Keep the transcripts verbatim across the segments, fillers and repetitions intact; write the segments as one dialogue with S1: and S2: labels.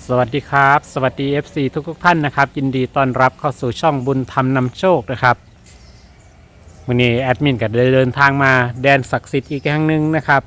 S1: สวัสดีครับสวัสดี เอฟ ซี ทุกทุกท่านนะครับยินดีต้อนรับเข้าสู่ช่องบุญธรรมนำโชคนะครับวันนี้แอดมินก็ได้เดินทางมาแดนศักดิ์สิทธิ์อีกครั้งหนึ่งนะครับ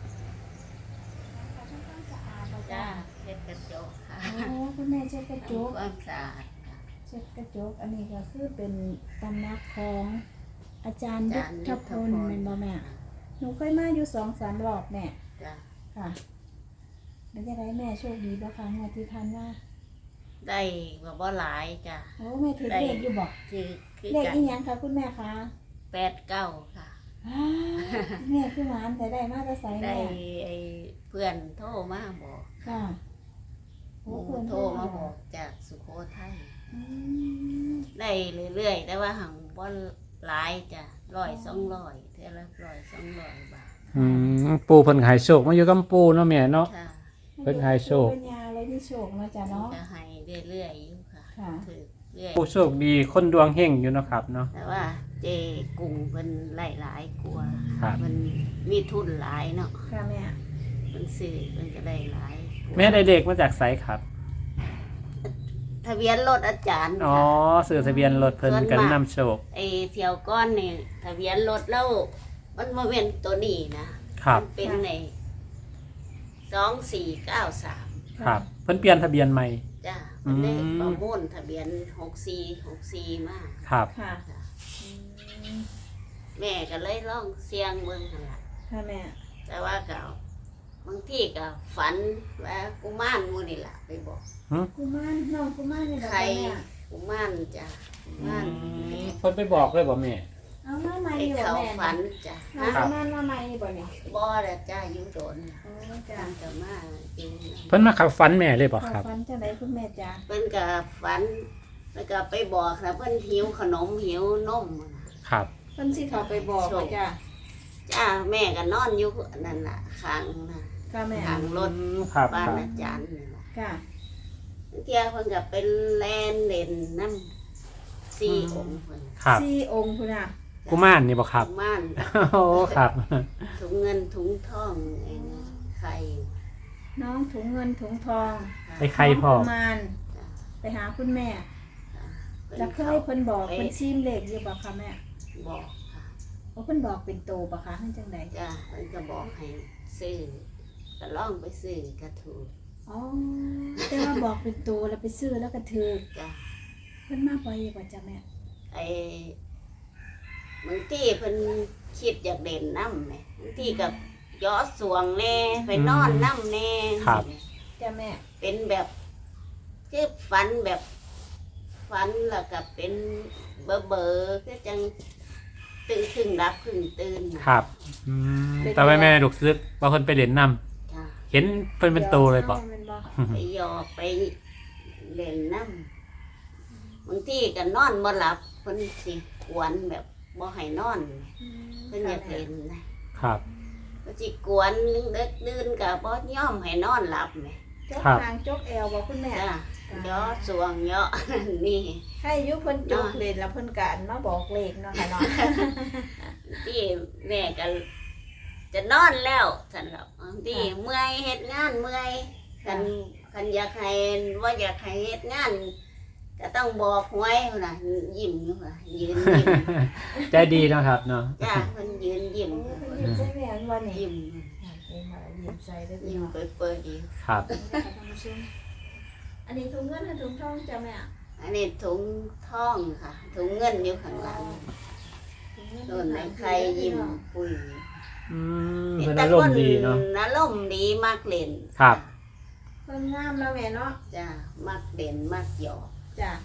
S2: จ้าเช็ดกระจกค่ะ
S3: โอ้คุณแม่เช็ดกระจ
S2: ทำ
S3: ก
S2: ความสะอาดค่ะ
S3: เช็ดกระจกอันนี้ก็คือเป็นตำนักของอาจารย์ยุทธพลเป็นบ่แม่หนูเคยมาอยู่สองสามรอบแม่
S2: จ้า
S3: ค่ะแล้วจะได้แม่โชคดีบ่คะงวดที่ผ่านมา
S2: ได้แบบว่าหลายจ้า
S3: โอ้แม่ถือเลขอยู่บอก
S2: คือคือ
S3: เลข
S2: กัน
S3: อีหยังคะคุณแม่คะ
S2: แปดเก้าค่ะ
S3: อ้าวแม่คือหวานแต่ได้มาแต่ใส
S2: ได้
S3: แม่
S2: ไอ้เพื่อนโทรมาบอก
S3: ค่ะ
S2: ห
S3: โอ้
S2: มู
S3: เพิ่น
S2: โทรมาบอกจากสุโขทัย
S3: อืม
S2: ได้เรื่อยๆแต่ว่าหังว่าหลายจ้ะร้อยสองร้อยเท่าละร้อยสองร้อยบาท
S1: อืมปูเพิ่นขายโชคมาอยู่กับปูเนาะแม่เนาะ
S2: ค่ะ
S1: เพิ่นให้โชค
S3: เป็นยาเลยที่โชคเนาะจ้ะเนาะ
S2: จะให้เรื่อยๆอยู่ค่ะ
S3: ค่ะ
S2: ถือเรื่อย
S1: ปูโชคดีคนดวงเฮงอยู่เนาะครับเนาะ
S2: แต่ว่าเจกุ้งเป็นหลายหลายๆกลัวา
S1: ครับ
S2: มันมีทุนหลายเนาะ
S3: ค่ะแม่
S2: มันซื้อมันก็ได้หลายกว่า
S1: แม่ได้เด็กมาจากไสครับ
S2: ทะเบียนรถอาจารย์
S1: อ๋อ
S2: ค่ะ
S1: สื่อทะเบียนรถเพิ่นกันนำโชค
S2: ไอเที่ยวก้อนนี่ทะเบียนรถแล้วมันมาเป็นตัวนี้นะครับ มันเป็นในสองสี่เก้าสาม
S1: ครับเพิ่นเปลี่ยนทะเบียนใหม่
S2: จ้ามันได้
S1: อืม
S2: ประมูลทะเบียนหกสี่หกสี่มาก
S1: ครับ
S3: ค่ะ
S2: จ้ะ
S3: อืม
S2: แม่ก็เลยลองเสียงเบิ่งหั่นล่ะ
S3: ค่ะแม่
S2: แต่ว่าก็บางทีก็ฝันว่ากุมารหมูนี่ล่ะไปบอก
S3: กุมารน้องกุมารนี่ดอก
S2: ใคร
S3: แม่
S2: กุมารจ้ะกุมาร
S1: เพิ่นไปบอกเลยบ่แม่
S3: เอามาใหม่
S2: ไอ้
S3: อยู่บ่
S2: เขา
S3: แม่
S2: ฝันจ้ะ
S3: น้อง
S2: ฮะ
S3: กุมารมาใหม่บ่เนี่ย
S2: บ่ละจ้าอยู่โดน
S3: โอ้จ้ะ
S2: จ้าจะมาจริง
S1: เพิ่นมาขับฟันแม่เลยบ่
S3: ขอ
S1: ครับ
S3: ฟันจังไดคุณแม่จ้ะ
S2: เพิ่นก็ฝันแล้วก็ไปบอกนะเพิ่นหิวขนมหิวนมนะครับ
S3: เพิ่นสิเข้าไปบอกว่าจ้ะ
S2: จ้าแม่ก็นอนอยู่นั่นน่ะข้างน่ะ
S3: ค่ะแม่
S2: ทางรถ
S1: อืมครับ
S2: บ้าน
S1: ครับ
S2: อาจารย์นี่ล่ะ
S3: ค่ะ
S2: เที่ยเพิ่นก็เป็นแลนเล่นน้ำสี่องค์เพิ่น
S1: ครับ
S3: สี่องค์พุ่นน่ะ
S1: กุมารนี่บ่ครับ
S2: กุมาร
S1: โอ้ครับ
S2: ถุงเงินถุงทองไอ้นี่ไข่
S3: น้องถุงเงินถุงทอง
S1: ไอ้ไข่พ่อ
S3: น้งกุมาร
S2: จ้ะ
S3: ไปหาคุณแม่
S2: พิ่น
S3: จะเคยเพิ่นบอก
S2: ไป
S3: เพิ่นซีมเลขอยู่บ่คะแม่
S2: บอกค่ะ
S3: โอ้เพิ่นบอกเป็นโตบ่คะเพิ่นจังได
S2: จ้ามันก็บอกให้ซื้อก็ล่องไปซื้อกระถูก
S3: อ๋อแต่ว่าบอกเป็นโตแล้วไปซื้อแล้วก็ถือ
S2: จ้า
S3: เพิ่นมาบ่อยบ่จ้ะแม่
S2: ไอ้บางทีเพิ่นคิดอยากเด่นน้ำไหมบางทีกับย้อสวงแน่ไปนอนน้ำแน่
S1: ครับ
S3: จ้ะแม่
S2: เป็นแบบคือฝันแบบฝันแล้วก็เป็นเบอเบอร์ๆคือจังตื่นครึ่งรับครึ่งตื่นน่ะ
S1: ครับอืมแต่ว่าแม่ลูกซึกว่าเพิ่นไปเล่นน้ำ
S2: จ้า
S1: เห็นเพิ่นเป็นโตเลยบ่
S3: อาแม่นบ่
S2: ไปหยอกไปเล่นน้ำบางทีก็นอนบ่หลับเพิ่นสิกวนแบบบ่ให้นอนเพิ่นอยากเล่นนะครับ เพิ่นสิกวนเด็กดื่นก็บ่ยอมให้นอนหลับแหม
S3: จก
S1: ครับ
S3: ทางจกแอวบ่คุณแม่
S2: จ้าย่อสวงย่อ นี่
S3: ให้อายุเพิ่นจกเลยแล้วเพิ่นก็มาบอกเลขเนาะค่ะเนาะ
S2: ที่แม่ก็จะนอนแล้วซั่นล่ะบางทีเมื่อยเฮ็ดงานเมื่อยคันคันอยากให้ว่าอยากให้เฮ็ดงาน ก็ต้องบอกหวยพุ่นน่ะยิ้มอยู่ค่ะยืนยิ้ม
S1: ใจดีเนาะครับเนาะ
S2: จ้าเพิ่นยืนยิ้ม
S3: โอ้เพิ่นยิ้มใส่แม่นบ่นี่
S2: ยิ้ม
S3: ยิ้มมายิ้มใส่ได้อพี่
S2: ยิ้ม
S3: น้อง
S2: เปิดๆอยู่
S1: ครับ
S3: อันนี้ถุงเงินและถุงทองจ้ะแม่
S2: อันนี้ถุงทองค่ะ ถุงเงินอยู่ข้างหลัง
S3: ถุงเงิน
S2: ส่วนในใครยิ้มปุ้ย
S1: อืมเพิ่นอารมณ์ดีเนาะ
S2: อารมณ์ดีมากเล่น
S1: ครับ
S3: เพิ่นงามแล้วแม่เนาะ
S2: จ้ามักเล่นมักหยอก
S3: จ้ะ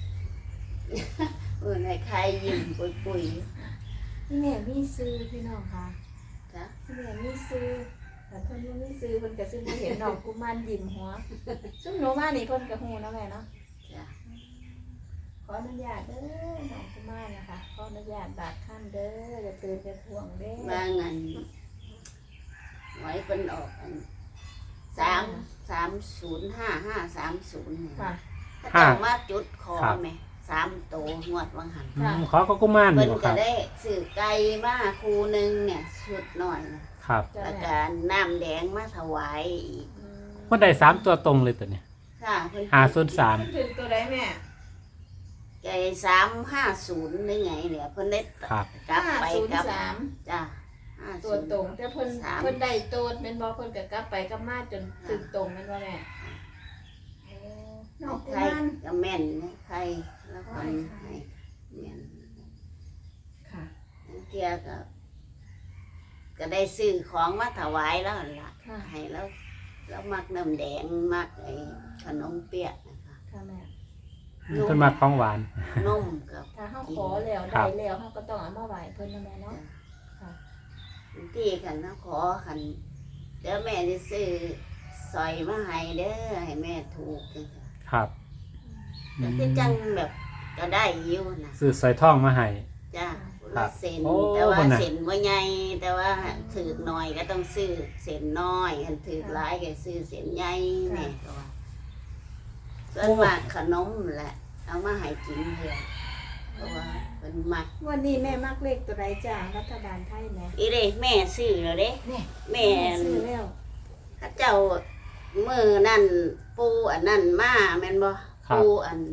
S2: เออในใครยิ้มปุ้ยปุ้ย
S3: พี่แม่มีซื้อพี่น้องค่ะ
S2: จ้า
S3: พี่แม่มีซื้อแต่เพิ่นบ่มีซื้อเพิ่นก็ซื้อบ่เห็นน้องกุมารยิ้มหัวซุ่มหนูมานี่เพิ่นก็ฮู้นะแม่เนาะ
S2: จ้า
S3: ขออนุญาตเด้อน้องกุมารนะคะขออนุญาตบาดท่านเด้ออย่าตื่นอย่าทวงเด้อ
S2: มางันไว้เป็นออกอันสามสามศูนย์ห้าห้าสามศูนย์เนี่ย
S3: ค่ะ
S2: ถ้าจะมาจุดคอไหมสามโตงวดวังหัน
S1: อืมขอก็กุมาร
S2: เพิ่
S1: นี่
S2: น
S1: บ่ค
S2: ก็
S1: รับ
S2: ได้สื่อไก่มาคูหนึงเนี่ยชุดหน่อยนะครับ
S3: จ้ะ
S2: แล้ว
S3: แม่
S2: ก็น้ำแดงมาถวายอีก
S3: อืม
S1: เพิ่นได้สามตัวตรงเลยตัวเนี้ย
S2: ค่ะค่ะเพิ่น
S1: ห้าศูนย์สาม
S3: เพิ่นถึงตัวใดแม่
S2: ไก่สามห้าศูนย์หรือไงเนี่ยเพิ่นได้
S1: ครับ
S2: กลับไปกลับ
S3: ห้าศูนย์สาม
S2: จ้าห้า
S3: ตัวตรงแต่เพิ่น
S2: สาม
S3: เพิ่นได้โตดแม่นบ่เพิ่นก็กลับไปกลับมาจนถึงตรงแม่นบ่แม่โอ้น้องกุ
S2: ใคร
S3: มาร
S2: ก็แม่นนะใครแล้วคนให้แม่น
S3: ค่ะ
S2: เทียก็ ก็ได้ซื้อของมาถวายแล้วหั่นล่ะ
S3: ค่ะ
S2: ให้แล้วแล้วมักน้ำแดงมักไอ้ขนมเปี๊ยะนะคะ
S3: ค่ะแม่
S1: เพิ่นมาของหวาน
S2: นมกับ
S3: ถ้าเฮาขอแล้ว
S1: ครั
S3: ได้
S1: บ
S3: แล้วเฮาก็ต้องเอามาไหว้เพิ่นนะแม่เนาะ ค่ะ
S2: ที่ขันนะขอขันเดี๋ยวแม่จะซื้อสอยมาให้เด้อให้แม่ถูกจังซี้
S1: ครับอื
S2: แต่
S1: ม
S2: ที่จังแบบก็ได้อยู่นะ
S1: ซื้อสอยทองมาให้
S2: จ้า
S1: ครั
S2: ละ
S1: บ
S2: เส้น
S1: โอ้
S2: แต่ว่า
S1: คนน่ะ
S2: เส้นว่าใหญ่แต่ว่าถือหน่อยก็ต้องซื้อเส้นน้อยอันถือหลายก็ซื้อเส้นใหญ่แม่ก็ว่าส่วนมากขนมแหละ เอามาให้กินเถอะเพราะว่าเป็นมัก
S3: วันนี้แม่มักเลขตัวใดจ้ารัฐบาลไทยแม่
S2: อีเด้แม่ซื้อแล้วเด้
S3: แม่
S2: แม่
S3: ซื้อแล้ว
S2: ข้าเจ้ามือนั่นปูอันนั่นมาแม่นบ่
S1: ครับ
S2: ปูอัน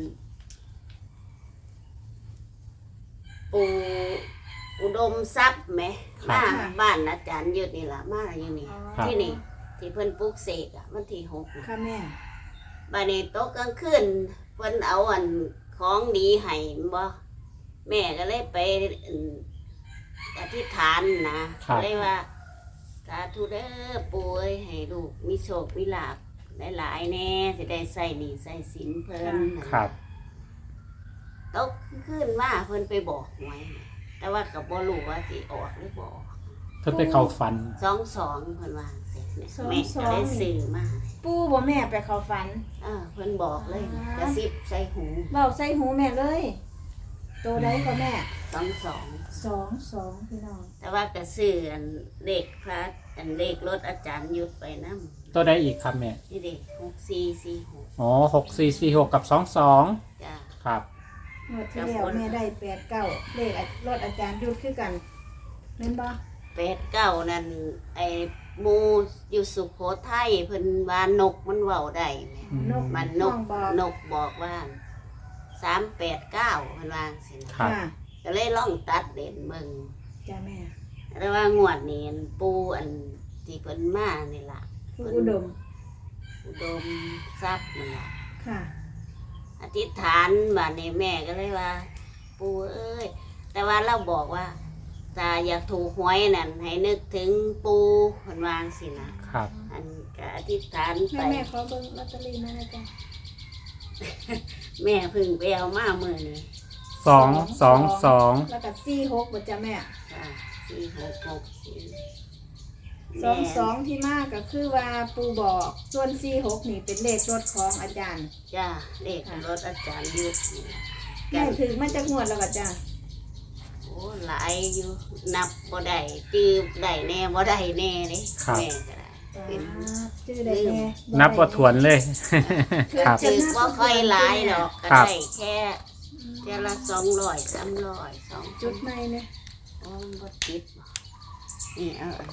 S2: ปูอุดมทรัพย์ไหม
S1: ครับ
S2: มาบ้านอาจารย์ยุดนี่ล่ะมาอยู่นี่
S3: อ๋อ
S1: ครับ
S2: ที่นี่ ที่เพิ่นปลูกเสกอ่ะมันที่หกน่ะ
S3: ค่ะแม่
S2: บ้านนี้โต๊ะกลางคืนเพิ่นเอาอันของดีให้บ่แม่ก็เลยไปอั่นอธิษฐานนะครับ เลยว่าสาธุเด้อปู่เอ้ยให้ลูกมีโชคมีลาภหลายๆแน่สิได้ใส่หนี้ใส่สินเพิ่น
S1: ครับ
S2: ตกขึ้นมาเพิ่นไปบอกหวยแต่ว่าก็บ่รู้ว่าสิออกหรือบ่ออก
S1: เพิ่นไปเข้าฝัน
S2: สองสองเพิ่นว่าเสร็จเนี่ยแม่ก็ได้ซื้อมา
S3: ปู่บ่แม่ไปเข้าฝัน
S2: เออเพิ่นบอกเลย
S3: อ่า
S2: กระซิบใส่หู
S3: เว้าใส่หูแม่เลย ตัวใดก็แม่
S2: สองสอง
S3: สองสองพี่น้อง
S2: แต่ว่าก็ซื้ออันเลขพระอันเลขรถอาจารย์ยุดไปนำ
S1: ตัวใดอีกครับแม่
S2: นี่เด้หกสี่สี่หก
S1: อ๋อหกสี่สี่หกกับสองสอง
S2: จ้า
S1: ครับ
S3: งวดที่แล้วแม่ได้แปดเก้าเลขรถอาจารย์ยุดคือกันแม่นบ่
S2: แปดเก้านั่นไอ้หมูอยู่สุโขทัยเพิ่นว่านกมันเว้าได้แหม
S1: อืม
S3: นก
S2: มันน
S3: น้อก งบอก
S2: นกบอกว่าสามแปดเก้าเพิ่นว่าสินะครับ
S3: ค่ะ
S2: ก็เลยลองตัดเด่นเบิ่ง
S3: จ้าแม่
S2: แต่ว่างวดนี้อันปูอันที่เพิ่นมานี่ล่ะ
S3: ผู้อุดม
S2: อุดมทรัพย์นั่นล่ะ
S3: ค่ะ
S2: อธิษฐานบัดนี้แม่ก็เลยว่า ปูเอ้ยแต่ว่าเราบอกว่าถ้าอยากถูกหวยนั่นให้นึกถึงปูเพิ่นวาจั่งสินะครับ อันก็อธิษฐานไป
S3: แม่แม่ขอเบิ่งลอตเตอรี่มาหนะจ๊ะ
S2: แม่เพึ่งไปเอามามื้อนี้
S1: สองสองสอง
S3: แล้วก็สี่หกบ่จ้ะแม่
S2: จ้ะสี่หกหกสี่
S3: สองสองที่มากก็คือว่าปูบอกส่วนสี่หกนี่เป็นเลขรถของอาจารย์
S2: จ้าเลขรถอาจารย์ยุทธนี่ล่ะ
S3: แม่ถึงมาจากงวดแล้วก็จ้ะ
S2: โอ้หลายอยู่นับบ่ได้จื้อได้แน่บ่ได้แน่เด้แม่ก็ได้เป็น
S3: ชื่อได้แน่
S1: นับว่าถวนเลย ครับ
S2: จื้อบ่ค่อยหลายดอกก็
S1: ครับ
S2: ได้แค่แค่ละสองร้อยสามร้อยสอง
S3: จุ
S2: จุ
S3: ด
S2: ด
S3: ใหม่เนี่ย
S2: โอ้มันบ่ติดบ่นี่เอาอัน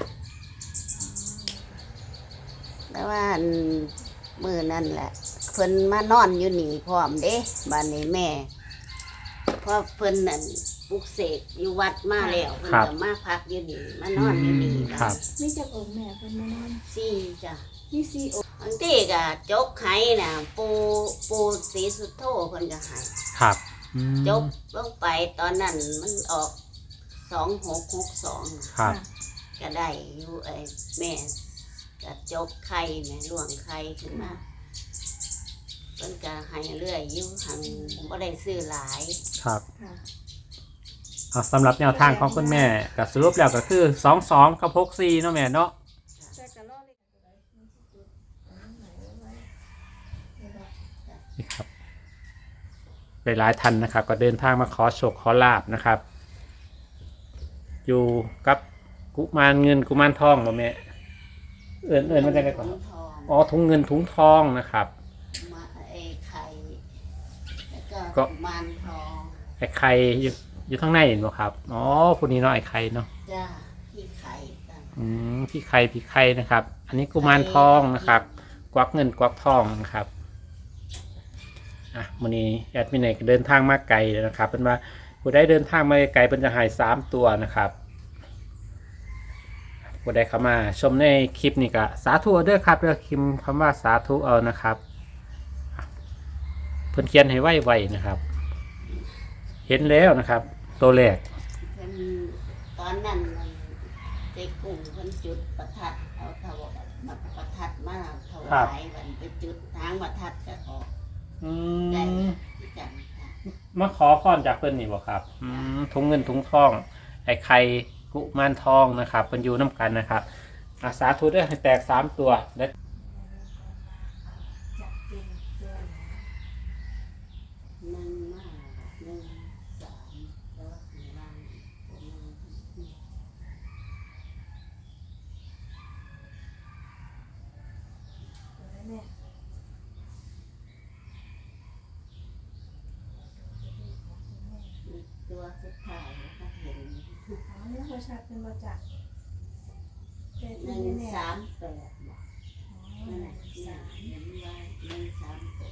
S2: แต่ว่าอันมื้อนั่นแหละเพิ่นมานอนอยู่นี่พร้อมเด้บ้านนี้แม่เพราะเพิ่นนั่นปลุกเสกอยู่วัดมาแล้วเพิ่น
S1: ครับ
S2: ก็มาพักอยู่นี่มานอนอยู่นี่
S1: ครับ
S3: มีจากองค์แม่เพิ่นมานอน
S2: สี่จ้ะ
S3: มีสี่องค์
S2: บางทีก็จกไห้น่ะปูปูสีสุดโทเพิ่นก็ให้
S1: ครับอืม
S2: จกลงไปตอนนั้นมันออกสองหกหกสอง
S1: ครับ
S2: ก็ได้อยู่ไอ้แม่ก็จกไข่แม่ล่วงไข่ขึ้นมาเพิ่นก็ให้เรื่อยอยู่หังบ่ได้ซื้อหลาย
S1: ครับ
S3: ค่ะ
S1: เอาสำหรับแนวทางของคุณแม่ก็สรุปแล้วก็คือสองสองกับหกสี่เนาะแม่เนาะ
S3: แต่ก็รอเลขตัวใดมันสิจุดอันนั้นไหนไว้เดี๋ยวบอก
S1: นี่ครับหลายๆท่านนะครับ ก็เดินทางมาขอโชคขอลาบนะครับ อยู่กับกุมารเงินกุมารทองบ่แม่เอินเอินมันจะไงก่อน
S2: ถุงทอง
S1: อ๋อถุงเงินถุงทองนะครับ
S2: มาไอ้ไข่แล้วก็
S1: ก็
S2: กุมารทอง
S1: ไอ้ไข่อยู่อยู่ข้างในเห็นบ่ครับอ๋อพวกนี้เนาะไอ้ไข่เนาะ
S2: จ้าพี่ไข่กัน
S1: อืมพี่ไข่พี่ไข่นะครับ อันนี้กุมารทองนะครับ กวักเงินกวักทองนะครับ
S2: ก
S1: อ่ะมื้อนี้แอดมินเอกเดินทางมาไกลเลยนะครับเป็นว่าผู้ใดเดินทางมาไกลเป็นจะหายสามตัวนะครับผู้ใดเข้ามาชมในคลิปนี้ก็สาธุเอาเด้อครับเด้อพิมพ์คำว่าสาธุเอานะครับเพิ่นเขียนให้ไวๆนะครับ เห็นแล้วนะครับตัวแรก
S2: เพิ่นตอนนั้นมันเจ๊กุ้งเพิ่นจุดประทัดเอาถวายมาประทัดมาถวายมันไปจุดทางประทัดก็ออก
S1: อื
S2: ได้
S1: ม
S2: ที่กันค่ะ
S1: มาขอพรจากเพิ่นนี่บ่ครับอืมถุงเงินถุงทองไอ้ไข่กุมารทองนะครับเพิ่นอยู่น้ำกันนะครับอาสาธุเด้อให้แตกสามตัวและ
S3: จับเป็นตัวไหน
S2: หนึ่งมาหนึ่งสามแล้วข้างล่างหนึ่ง
S3: ตัวไหนแม่
S2: ตัวสุดท้ายนะคะเห็น
S3: อ๋อเนี่ยเขาชัดเป็นประจักษ์แต่
S2: ห
S3: ที่
S2: นึ่ง
S3: แน่ๆ
S2: สามแปดบอก
S3: อ๋อ
S2: นั่น
S3: ห
S2: แหละ
S3: นึ่ง
S2: สา
S3: สาม ม
S2: เห็นว่าหนึ่งสามแปด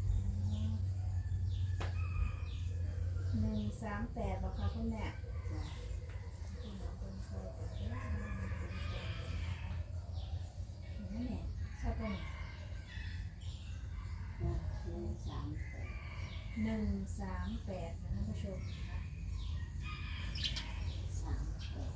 S3: หนึ่งสามแปดบอกค่ะคุณแม่
S2: จ้ะ
S3: นี่แหละชอบตรงไหน
S2: จ้ะหนึ่งสามแปด
S3: หนึ่งสามแปดนะท่านผู้ชมนะคะ
S2: สามแปด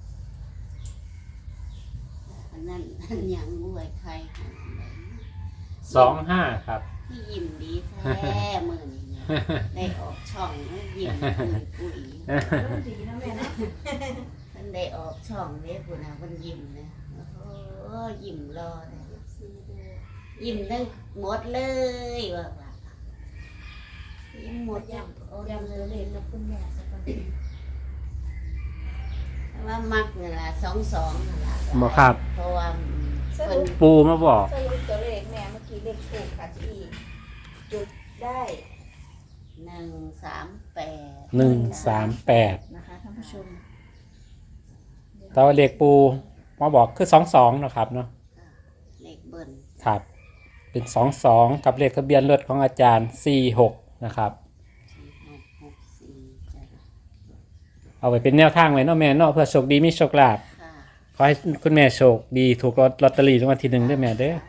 S2: อันนั้นอันยังรวยใครหาไหน
S1: สองห้าครับ
S2: ที่ยิ้มดีแท้มือนี่เนี่ยได้ออกช่องแล้วยิ้มปุยปุย
S3: เริ่มดีนะแม่นะ
S2: มันได้ออกช่องเด้ปุ่นนะมันยิ้มนะโอ้โหยิ้มรอเลย
S3: ซีดู
S2: ยิ้มทั้งหมดเลยว่าว่ายิ้มหมด
S3: ย
S2: จังโอ้
S3: ำ
S2: ย
S3: ยำตัวเลขกับคุณแม่สักคน
S2: ว่ามักนี่ล่ะสองสองนั่นล่ะ
S1: บ่ครับ
S2: เพราะว่าเพิ่น
S1: ปูมาบอก
S3: สรุปตัวเลขแม่เมื่อกี้เลขถูกค่ะที่จุดได้
S2: หนึ่งสามแปด
S1: หนึ่งสามแปด
S3: นะคะท่านผู้ชม
S1: แต่ว่าเลขปูมาบอกคือสองสองนะครับเนาะ
S2: เลขเบิ้ล
S1: ครับ เป็นสองสองกับเลขทะเบียนรถของอาจารย์สี่หกนะครับ
S2: สี่หกหกสี่จ้ะ
S1: เอาไว้เป็นแนวทางไว้เนาะแม่เนาะเพื่อโชคดีมีโชคลาภ
S2: ค่ะ
S1: ขอให้คุณแม่โชคดีถูกลอตลอตเตอรี่รางวัลที่หนึ่งด้วยแม่เด้อ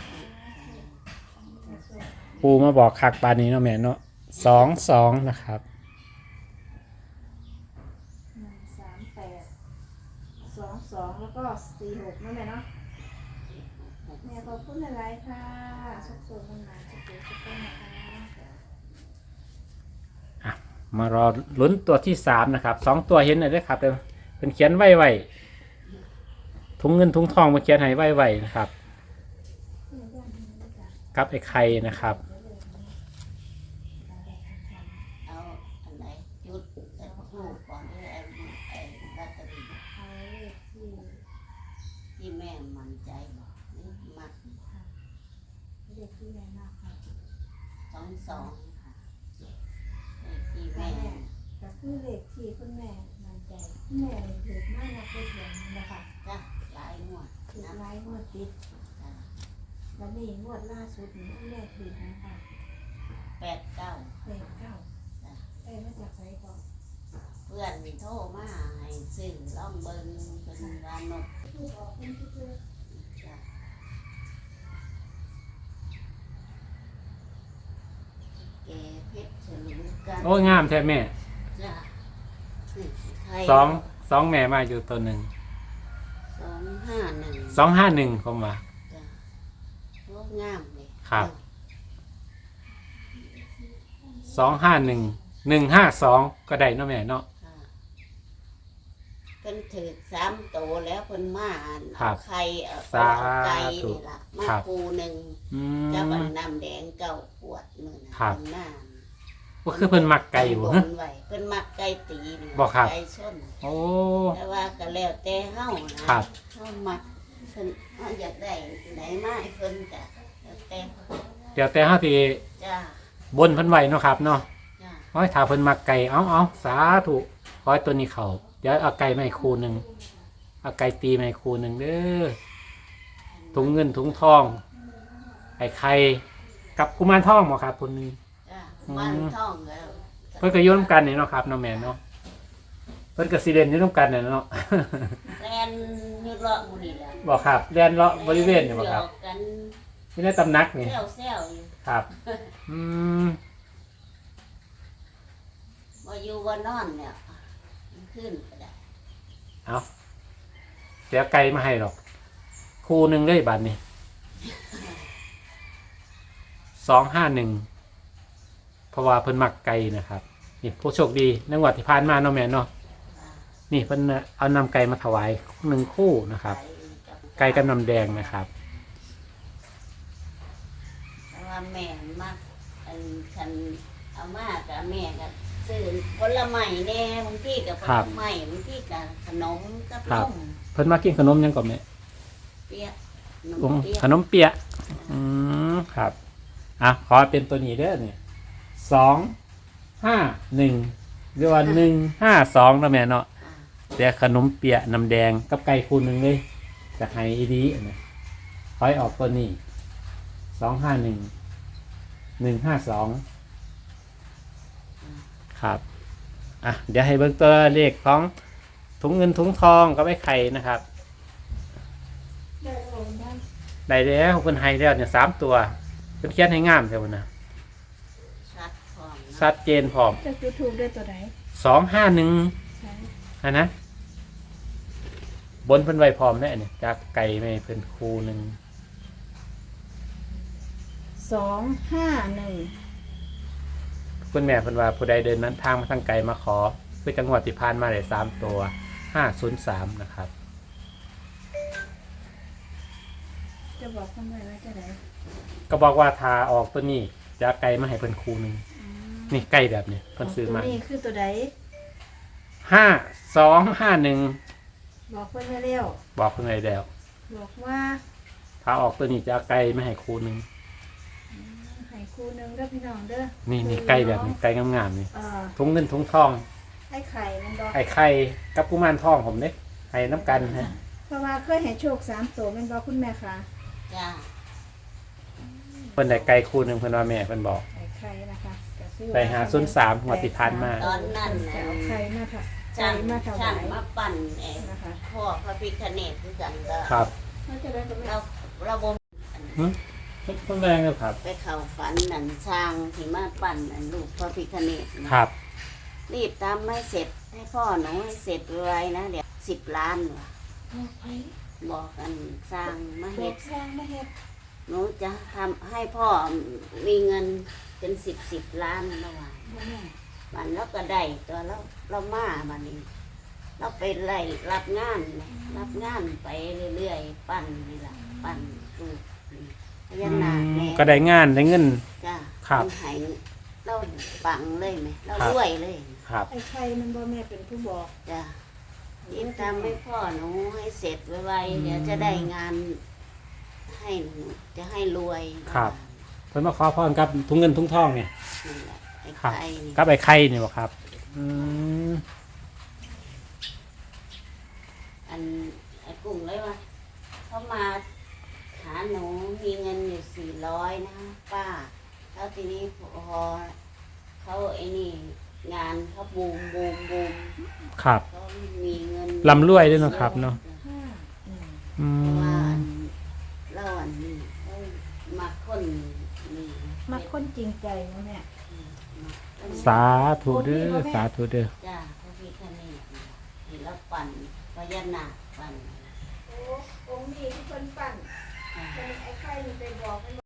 S1: ปูมาบอกคักปานนี้เนาะแม่เนาะสองสองนะครับ
S3: หนึ่งสามแปดสองสองแล้วก็สี่หกนั่นแหละเนาะแม่ขอบคุณหลายๆค่ะสุขสมมันมาสุขสุขต้นนะคะ
S1: มารอลุ้นตัวที่สามนะครับสองตัวเห็นหน่อยด้วยครับเดี๋ยวเป็นเขียนไว้ไว้ถุงเงินถุงทองมาเขียนให้ไว้ไว้นะครับกับไอ้ไข่นะครับ
S2: เอาอันไหนจุดแต่รูปก่อนที่ไอ้ไอ้ลอตเตอรี่
S3: เอาเลขที่
S2: ที่แม่มั่นใจบอกนี่มัก
S3: เลขที่แม่มากค่ะ
S2: สองสองค่ะเลขที่แม่
S3: ก็คือเลขที่คุณแม่มั่นใจคุณแม่ถือมากนะเป็นอย่างนี้นะคะ
S2: จ้ะหลายงวด
S3: ถือ
S2: นะ
S3: ไลฟ์งวดติด
S2: จ้ะ
S3: แล้วนี่งวดล่าสุดนี้คุณแม่ถือนะคะ
S2: แปดเก้า
S3: เลขเก้า
S2: จ้ะ
S3: เอ้ยมาจากไสก่อน
S2: เพื่อนโทรมาให้ซื้อล่องเบิงเป็นวานก
S3: ถูกออกเป็นที่เจอ
S2: จ้ะแกเพชรฉลุกัน
S1: โอ้ยงามแท้แม่
S2: จ้ะไทย
S1: สองสองแม่มาอยู่ตัวหนึ่ง
S2: สองห้าหนึ่ง
S1: สองห้าหนึ่งผมว่า
S2: จ้ะโคตรงามเลย
S1: ครับ สองห้าหนึ่งหนึ่งห้าสองก็ได้เนาะแม่เนาะ
S2: ค่ะเพิ่นถือสามโตแล้วเพิ่นมาอ่าน
S1: ครั
S2: เอา
S1: บ
S2: ไข่เอา
S1: สา
S2: เอาไก่
S1: ธุ
S2: นี่ล่ะมา
S1: ครับ
S2: ปูหนึ่ง
S1: อื
S2: เจ้าบั
S1: ม
S2: นน้ำแดงเก้าขวดมือนะครับ เพิ่นมา
S1: ก็คือเพิ่นมักไก่บ่
S2: บ
S1: ฮะ
S2: นไว้เพิ่นมักไก่ตีนี่
S1: บ่ครับ
S2: ไก่ชน
S1: โอ้
S2: แต่ว่าก็แล้วแต่เฮานะครับ เฮามักเพิ่นเฮาอยากได้ไหนมาให้เพิ่นก็แล้วแต่เพิ่น
S1: เดี๋ยวแต่เฮาที่
S2: จ้า
S1: บนเพิ่นไว้เนาะครับเนาะ
S2: จ้า
S1: โอ้ยถ้าเพิ่นมักไก่เอาเอาสาธุขอให้ตัวนี้เข้าเดี๋ยวเอาไก่มาให้คู่หนึงเอาไก่ตีมาให้คู่หนึงเด้อถุงเงินถุงทองไอ้ไข่กับกุมารทองบ่ครับคนหนึง
S2: คบ้านท่องก็
S1: เพิ่นก็อยู่นํกันนี่เนาะครับเนาะแม่เนาะเพิ่นก็สิเล่นอยู่นํกันน่ะเนาะ
S2: แลนอยู่เลาะหมู่นี่แหละ
S1: บ่ครับแล่นเลาะบริเวณนี่บ่ครับ
S2: หยอกกัน
S1: ที่ในตำหนักนี่
S2: แซวๆอยู่
S1: ครับอืม
S2: บ่อยู่บ่นอนเนี่ยมันขึ้นก็ได้
S1: เอาเดี๋ยวไก่มาให้หรอกคู่หนึงเลยบัดนี้สองห้าหนึ่งเพราะว่าเพิ่นมักไก่นะครับนี่ผู้โชคดีในงวดที่ผ่านมาเนาะแม่เนาะนี่เพิ่นเอานำไก่มาถวายหนึ่งคู่นะครับ ไก่กับน้ำแดงนะครับ
S2: แต่ว่าแม่มากอันคันเอามากับแม่ก็ซื้อผลไม้แน่บางทีกับผลไม้บางทีกับขนมกับนม
S1: เพิ่นมากินขนมหยังก่อนแม่
S2: เปี๊ยะขน
S1: อื
S2: ม
S1: ม
S2: เปี๊ยะ
S1: ขนมเปี๊ยะอืมครับอ่ะขอเป็นตัวนี้เด้อนี่สองห้าหนึ่งหรือว่าหนึ่งห้าสองนะแม่เนาะ
S2: อ่า
S1: แต่ขนมเปี๊ยะน้ำแดงกับไก่คูหนึ่งเลยจะให้อีดีนะคอยออกตัวนี้สองห้าหนึ่งหนึ่งห้าสองครับอ่ะเดี๋ยวให้เบิ่งตัวเลขของถุงเงินถุงทองกับไอ้ไข่นะครับ
S3: ได้โอนได้
S1: ได้แล้วเพิ่นให้แล้วเนี่ยสามตัวเพิ่นเขียนให้งามแท้พุ่นนะ
S2: ชัดพร้อมนะ
S1: ชัดเจนพร้อม
S3: จะยูทูบได้ตัวไหน
S1: สองห้าหนึ่ง
S3: ใช่
S1: อันนะบนเพิ่นไว้พร้อมแน่เนี่ยจากไก่ไม่เพิ่นคูหนึ่ง
S3: สองห้าหนึ่ง
S1: คุณแม่เพิ่นว่าผู้ใดเดินนั้นทางมาทางไกลมาขอเพื่อจังหวัดที่ผ่านมาได้สามตัวห้าศูนย์สามนะครับ
S3: จะบอกคนไว้ว่าจะไหน
S1: ก็บอกว่าทาออกตัวนี้จะเอาไก่มาให้เพิ่นคูหนึ่งนี่ไก่แบบนี้เพิ่นซื้อมา
S3: ตัวนี้คือตัวไหน
S1: ห้าสองห้าหนึ่ง
S3: บอกเพื่อนไว้เร็ว
S1: บอกเพิ่นไว้แล้ว
S3: บอกว่า
S1: ถ้าออกตัวนี้จะเอาไก่มาให้คูหนึ่ง
S3: ให้ครูหนึงเด้อพี่น้องเด้อ
S1: นี่นี่ไก่แบบนี้ไก่งามๆนี่
S3: เอ่อ
S1: ถุงเงินถุงทอง
S3: ไอ้ไข่มันบอก
S1: ไอ้ไข่กับกุมารทองผมเนี่ยให้น้ำกันฮะ
S3: เพราะว่าเคยให้โชคสามตัวแมันบอกคุณแม่ค่ะ
S2: จ้า
S1: เพิ่นได้ไก่คูหนึ่งเพิ่นว่าแม่เพิ่นบอก
S3: ไอ้ไข่นะคะก็คือ
S1: ไปหาศูนย์สามหัวดที่ผ่านมา
S2: ตอนนั้น
S3: จะ
S2: น่ะ
S3: เอาไข่มาค่ะไข่
S2: ช่าง
S3: มาถ
S2: ช่าว
S3: าง ย
S2: มาปั่นเอง
S3: นะคะ
S2: พ่อพระพิฆเนศคือกันก็
S1: ครับ
S3: เขาจะได้กับแม่
S2: เราเราบ่
S1: หึเพิ่นแรงเลยครับ
S2: ไปเข้าฝันนั่นช่างที่มาปั่นอันลูกพระพิฆเนศนะครับ รีบทำให้เสร็จให้พ่อหนูให้เสร็จไวนะเดี๋ยวสิบล้านว่ะ
S3: บอกไข่
S2: บอกกันสร้างมา
S3: บอ
S2: เฮ็
S3: ก
S2: ด
S3: สร้างมาเฮ็ด
S2: หนูจะทำให้พ่อมีเงินเป็นสิบสิบล้านระหว่าง
S3: บอกแม่
S2: มันแล้วก็ได้ตัวเราเรามาบันนี้ เราไปไล่รับงานไงรับงานไปเรื่อยๆ ปั้นนี่แหละปั้นลูกนี่พญานาคแม่
S1: ก็ได้งานได้เงิน
S2: จ้า
S1: ครับ
S2: มันใหายเราปังเลยไหมเรา
S1: ครับ
S2: รวยเลย
S1: ครับ
S3: ไอ้ไข่มันบอกแม่เป็นผู้บอก
S2: จ้ารีบทำให้พ่อหนูให้เสร็จไวๆเดี๋ยวจะได้งานให้หนูจะให้รวย
S1: ครับ เพิ่นมาขอพรกับถุงเงินถุงทองเนี่ย
S2: นั่นแหละไอ้
S1: ครับ
S2: ไข่นี่
S1: กับไอ้ไข่เนี่ยบ่ครับ อืม
S2: อันไอ้กุ้งเลยว่าเขามาหาหนูมีเงินอยู่สี่ร้อยนะป้าแล้วทีนี้พอเขาไอ้นี่งานเขาบูมบูมบูม
S1: ครับ
S2: เขามีเงิน
S1: ร่ำรวยด้วยเนาะครับเนาะ
S3: ห้าหนึ่ง
S1: อื
S2: เพราะว่าอั
S1: ม
S2: นเล่าอันนี้เขามาคนนี่
S3: มาคนจริงใจนะแม่
S2: มาคน
S1: สาธุเด้อสาธุเด้อ
S2: จ้าพระพิฆเนศนี่แล้วปั่นพญานาคปั่น
S3: โอ้องค์นี้ที่เพิ่นปั้น
S2: อ่า
S3: เป็นไอ้ไข่นี่ไปบอก